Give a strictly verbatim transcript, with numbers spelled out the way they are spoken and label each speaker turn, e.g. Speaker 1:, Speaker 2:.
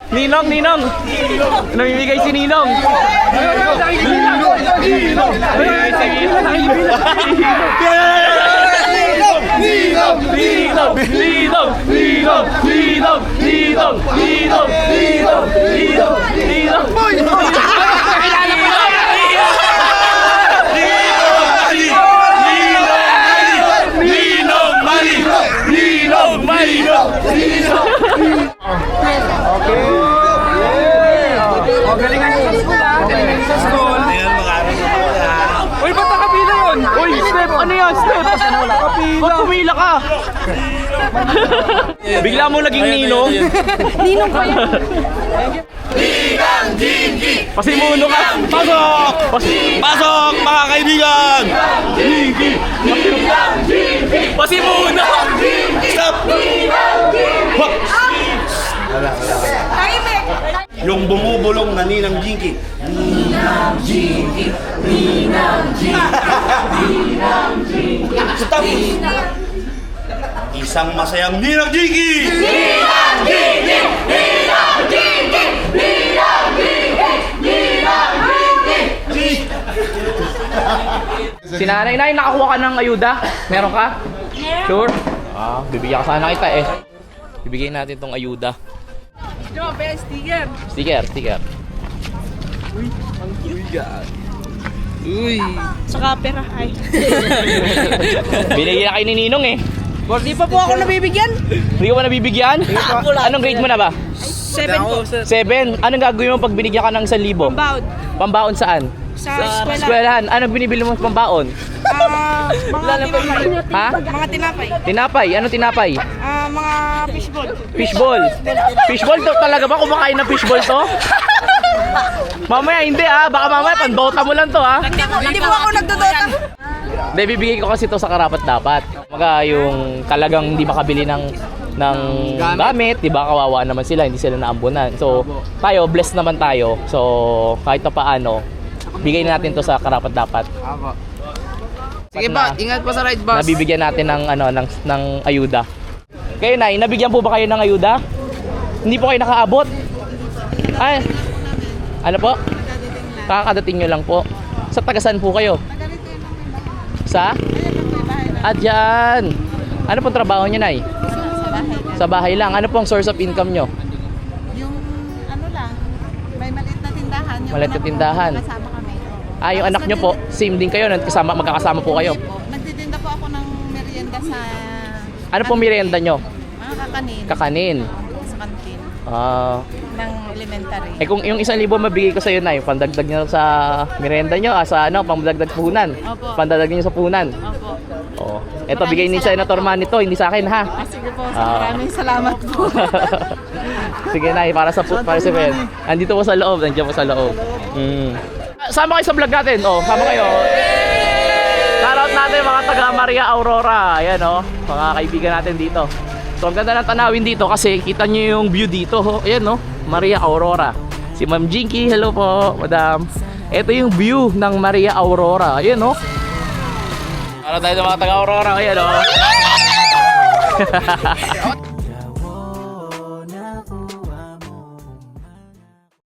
Speaker 1: Ninong, Ninong. Namimigay si Ninong. Ninong. Ninong, Ninong, Ninong, Ninong, Ninong, Ninong, Ninong, Ninong, Ninong, Ninong.
Speaker 2: Okay. Oh, galingan nyo sa school ha. Galingan nyo sa school.
Speaker 1: Uy, ba't nakapila yun? Uy, Step, ano yan, Step? Ba't pumila ka? Bigla mo naging ninong.
Speaker 3: Ninong ko yan.
Speaker 4: Ninang Jinky!
Speaker 1: Pasimuno ka. Pasok! Pas- Pasok, mga kaibigan!
Speaker 4: Jinky! Ninang Jinky!
Speaker 1: Pasimuno!
Speaker 4: Stop!
Speaker 3: Tahimik.
Speaker 4: Yung bumubulong na Ninang Jinky. Ninang Jinky! Ninang Jinky! Ninang Jinky! Stop! Isang masayang Ninang Jinky! Ninang Jinky! Ninang Jinky! Ninang Jinky! Ninang Jinky!
Speaker 1: Si nanay, nay, nakakuha ka ng ayuda? Meron ka? Sure? Ah, bibigyan ka sana kita eh. Bibigyan natin tong ayuda.
Speaker 3: Diyo, best sticker.
Speaker 1: Sticker, sticker. Uy, ang cute. Uy.
Speaker 3: Saka pera ay.
Speaker 1: Binigyan na kayo ni Ninong eh.
Speaker 3: Di pa po ako nabibigyan.
Speaker 1: Hindi ka ba nabibigyan? Anong grade mo na ba?
Speaker 3: Seven po.
Speaker 1: Seven. Anong gagawin mo pag binigyan ka ng isang libo?
Speaker 3: Pambaon.
Speaker 1: Pambaon saan?
Speaker 3: Sa eskwela.
Speaker 1: Eskwelahan. Anong binibili mo sa pambaon?
Speaker 3: Ah, mga tinapay.
Speaker 1: Ha?
Speaker 3: Mga tinapay.
Speaker 1: Tinapay. Anong tinapay?
Speaker 3: Ah, mga fishball.
Speaker 1: Fishball. Fishball to talaga ba? Kumakain ng fishball to? Mamaya hindi ah. Baka mamaya pandota mo lang to ah.
Speaker 3: Hindi po, hindi po ako nagdodota.
Speaker 1: Hindi, bibigay ko kasi to sa karapat dapat. Mga yung talagang hindi makabili ng ng gamit, 'di ba? Kawawa naman sila, hindi sila naambunan. So, tayo blessed naman tayo. So, kahit pa paano, bigay natin to sa karapat dapat.
Speaker 2: Apo. Sige pa, ingat po sa ride bus.
Speaker 1: Nabibigyan natin ng ano ng ng ayuda. Kayo nay, nabigyan po ba kayo ng ayuda? Hindi po kayo nakaabot? Ay. Ano po? Kakadating nyo lang po. Sa tagasan po kayo? Sa? At yan. Ano pong trabaho nyo, nay? Sa bahay lang. Ano pong source of income nyo?
Speaker 5: Yung ano lang, may maliit na tindahan. Yung
Speaker 1: Maliit na
Speaker 5: anak ko,
Speaker 1: tindahan.
Speaker 5: Kasama kami.
Speaker 1: Ah, yung anak nyo po, same din kayo, kasama, magkakasama po kayo.
Speaker 5: Po. Nagtitinda po ako ng merienda sa
Speaker 1: Ano pong merienda nyo?
Speaker 5: mga kakanin.
Speaker 1: Kakanin.
Speaker 5: Sa kantin
Speaker 1: Ah,
Speaker 5: ng elementary.
Speaker 1: eh kung yung isang libo mabigay ko sa iyo, nay, pandagdag nyo sa merienda nyo, ah, sa ano, pandagdag puhunan.
Speaker 5: Opo.
Speaker 1: Pandagdag nyo sa puhunan.
Speaker 5: Opo.
Speaker 1: Oo. Ito, bigay ni Senator Manny to, hindi sa akin ha.
Speaker 5: Ah, sige po,
Speaker 1: Ah.
Speaker 5: maraming salamat po.
Speaker 1: Sige nay, para sa para sa pen. Andito po sa loob, nandiyan po sa loob. Mm. Sama kayo sa vlog natin. Oh, sama kayo. Shoutout natin mga taga Maria Aurora. Ayan oh, mga kaibigan natin dito. So ang ganda ng tanawin dito kasi kita niyo yung view dito. Oh. Ayan oh, Maria Aurora. Si Ma'am Jinky, hello po, Madam. Ito yung view ng Maria Aurora. Ayan oh. Para tayo sa mga taga Aurora. Ayan oh.